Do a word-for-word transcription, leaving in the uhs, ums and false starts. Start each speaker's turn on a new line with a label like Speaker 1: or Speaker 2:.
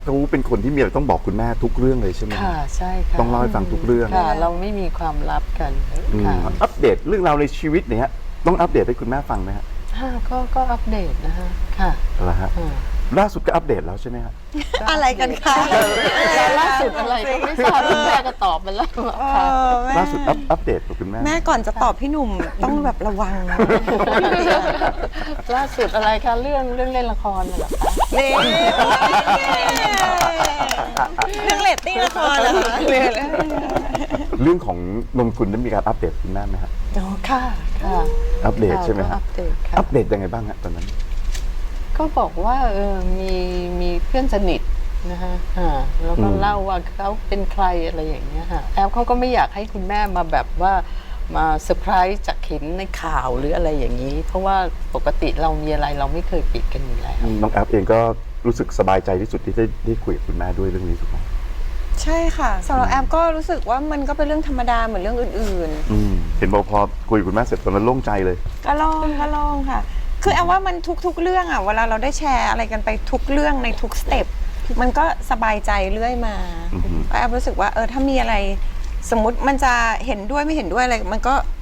Speaker 1: เขาเป็นคนที่มีอะไรต้องบอกคุณแม่ทุกเรื่องเลยใช่ไหม
Speaker 2: ค่ะใช่ค่ะ
Speaker 1: ต้องเล่าให้ฟังทุกเรื่อง
Speaker 2: ค่ะเราไม่มีความลับกัน
Speaker 1: อืม
Speaker 2: ค่ะ
Speaker 1: อัปเดตเรื่องราวในชีวิตเนี่ยฮะต้องอัปเดตให้คุณแม่ฟังไหมฮะ
Speaker 2: ค่ะก็ก็อัปเดตนะคะค่ะ
Speaker 1: อะไรฮะ
Speaker 2: อ่า
Speaker 1: ล่าสุดก็อัปเดตแล้วใช่ไหมฮะ
Speaker 3: อะไรกันคะ
Speaker 2: แล้วล่าสุดอะไรก็ไม่ทราบคุณแม่ก็ตอบไปแล้ว
Speaker 3: เอ
Speaker 2: ค่ะ
Speaker 3: อแม่
Speaker 1: ล่าสุดอัปอัปเดตกับคุณแม่
Speaker 3: แม่ก่อนจะตอบพี่หนุ่มต้องแบบระวังนะ
Speaker 2: ล่าสุดอะไรคะเรื่องเรื่องเล่นละครน่ะเหรอคะ
Speaker 3: นี่เรื่องเรตติ้งละครเหรอคะเรื่อง
Speaker 1: เรื่องของนนคุณได้มีการอัปเดตคุณแม่ไหมฮะ
Speaker 2: อ๋อค่ะค่ะ
Speaker 1: อัปเดตใช่ไหม
Speaker 2: ก็
Speaker 1: ฮะ
Speaker 2: อัปเดตค่ะ
Speaker 1: อัปเดตยังไงบ้างฮะตอนนั้น
Speaker 2: ก็บอกว่าเออมีมีเพื่อนสนิทนะคะอ่าแล้วก็
Speaker 1: อืม
Speaker 2: เล่าว่าเขาเป็นใครอะไรอย่างเงี้ยค่ะแอลเขาก็ไม่อยากให้คุณแม่มาแบบว่ามาเซอร์ไพรส์จากเห็นในข่าวหรืออะไรอย่างนี้ เพราะว่าปกติเรามีอะไรเราไม่เคยปิดกันอยู่แล้ว
Speaker 1: น้องแอปเองก็รู้สึกสบายใจที่สุดที่ได้ได้คุยกับคุณแม่ด้วยเรื่องนี้ถูกไหม
Speaker 3: ใช่ค่ะสำหรับแอมก็รู้สึกว่ามันก็เป็นเรื่องธรรมดาเหมือนเรื่องอื่น
Speaker 1: อืมเห็นบอกพอคุยกับคุณแม่เสร็จตอนนั้นโล่งใจเลย
Speaker 3: ๆ ก็ลองก็ลองค่ะ คือแอมว่ามันทุกๆเรื่องอ่ะเวลาเราได้แชร์อะไรกันไปทุกเรื่องในทุกสเต็ปมันก็สบายใจเรื่อยมา
Speaker 1: อือฮึ
Speaker 3: แอมรู้สึกว่าเออถ้ามีอะไรสมมุติมันจะเห็นด้วยไม่เห็นด้วยอะไรมันก็